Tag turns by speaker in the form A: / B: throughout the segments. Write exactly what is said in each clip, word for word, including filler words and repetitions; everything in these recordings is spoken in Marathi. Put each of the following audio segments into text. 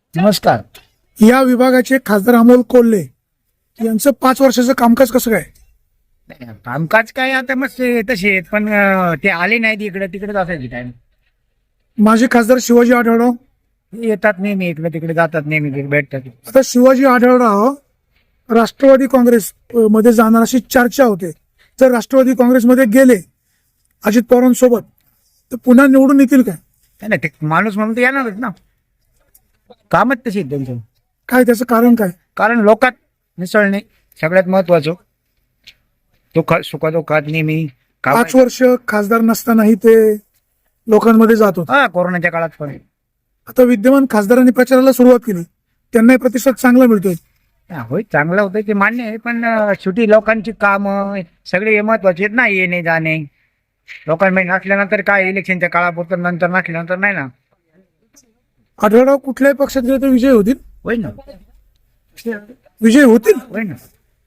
A: नमस्कार.
B: या विभागाचे खासदार अमोल कोल्हे यांचं पाच वर्षाचं कामकाज कसं काय?
A: नाही, कामकाज काय आता मस्त आहे, तसे आहेत, पण अं, ते आले नाहीत इकडे तिकडेच असायचे टाइम.
B: माजी खासदार शिवाजी आढळराव
A: येतात नेहमी इकडे तिकडे, जातात नेहमी तिकडे, भेटतात.
B: आता शिवाजी आढळराव राष्ट्रवादी काँग्रेस अ, मध्ये जाणार अशी चर्चा होते. जर राष्ट्रवादी काँग्रेसमध्ये गेले अजित पवारांसोबत तर पुन्हा निवडून येतील काय?
A: नाही नाही, ते माणूस म्हणून ते येणारच ना. कामच तशी आहेत त्यांचं.
B: काय त्याचं कारण काय?
A: कारण लोकात मिसळणे सगळ्यात महत्वाचं. दुःखात सुखादुःखात नेहमी काम.
B: पाच वर्ष खासदार नसतानाही ते लोकांमध्ये जात होते.
A: हा, कोरोनाच्या काळात पण.
B: आता विद्यमान खासदारांनी प्रचाराला सुरुवात केली, त्यांनाही प्रतिसाद चांगला मिळतोय.
A: हा, होय, चांगलं होतं ते मान्य आहे, पण अं, शेवटी लोकांची कामं सगळे हे महत्वाचे आहेत ना. येणे जाणे लोकांमध्ये नसल्यानंतर काय, इलेक्शनच्या काळापुरतं, नंतर नसल्यानंतर नाही ना.
B: आढळराव कुठल्याही पक्षात गेले तर विजय होतील.
A: होय ना,
B: विजय होतील
A: होय ना.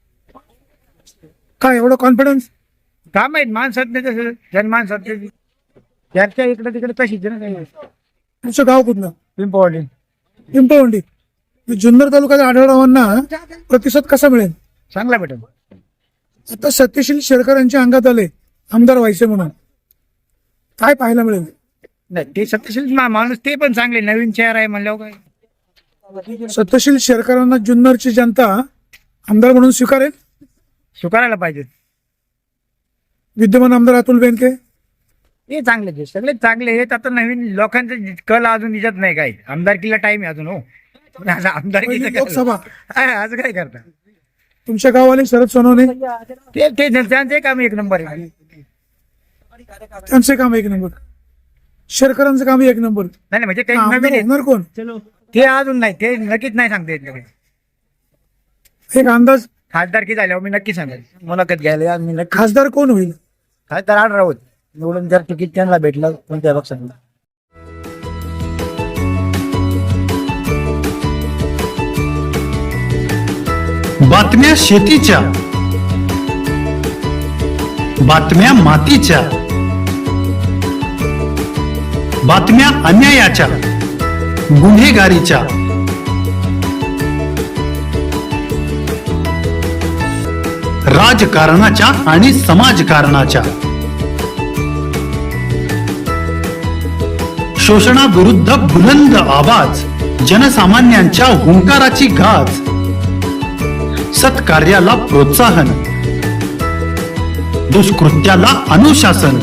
B: काय एवढं कॉन्फिडन्स?
A: काम आहेत माणसात नाही, तसं जनमानसात त्याच्या इकडे तिकडे तशीच आहे ना. काही
B: तुमचं गाव कुठलं?
A: पिंपवडी.
B: पिंपळवंडी. जुन्नर तालुक्यात आढळरावांना प्रतिसाद कसा मिळेल?
A: चांगला भेटेल.
B: आता सत्यशील शेरकर यांच्या अंगात आले आमदार व्हायचे म्हणून, काय पाहायला मिळेल?
A: नाही, ते सत्यशील मा- माणूस ते पण चांगले, नवीन चेहरा आहे म्हणल्यावर काय.
B: सत्यशील शेरकरांना जुन्नरची जनता आमदार म्हणून स्वीकारेल?
A: स्वीकारायला पाहिजे.
B: विद्यमान आमदार अतुल बेनके
A: ते चांगले ते सगळे चांगले आहेत. आता नवीन लोकांचं कल अजून निजत नाही काही. आमदारकीला टाइम आहे अजून. हो, पण आमदारकी
B: लोकसभा
A: आज काय करता.
B: तुमच्या गाववाले शरद सोनवणे
A: ते ते त्यांचे काम एक नंबर आहे.
B: त्यांचे काम एक नंबर, शेरकरांचं काम एक नंबर.
A: नाही नाही, म्हणजे काही
B: आमदार
A: नवीन आहेत.
B: होणार कोण?
A: ते अजून नाही, ते नक्कीच नाही सांगता येत नाही.
B: एक अंदाज
A: खासदारकी झाल्यावर मी नक्की सांगेल, मुलाखत घ्यायला मी नक्की.
B: खासदार कोण होईल?
A: खासदार आठ राहत निवडून जर तिकीट त्यांना भेटलं कोणत्या पक्षात.
C: बातम्या शेतीच्या, बातम्या मातीच्या, बातम्या अन्यायाच्या, गुन्हेगारीच्या, राजकारणाच्या आणि समाजकारणाच्या, शोषणाविरुद्ध बुलंद आवाज, जनसामान्यांच्या हुंकाराची गाज, सत्कार्याला प्रोत्साहन, दुष्कृत्याला अनुशासन,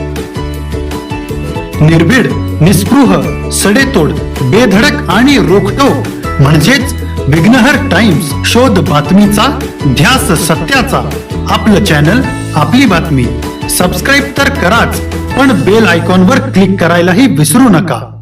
C: निर्भीड, निस्पृह, सडेतोड, बेधडक आणि रोखटोक म्हणजेच विघ्नहर टाइम्स. शोध बातमीचा, ध्यास सत्याचा. आपलं चॅनल, आपली बातमी. सबस्क्राईब तर कराच, पण बेल आयकॉनवर क्लिक करायलाही विसरू नका.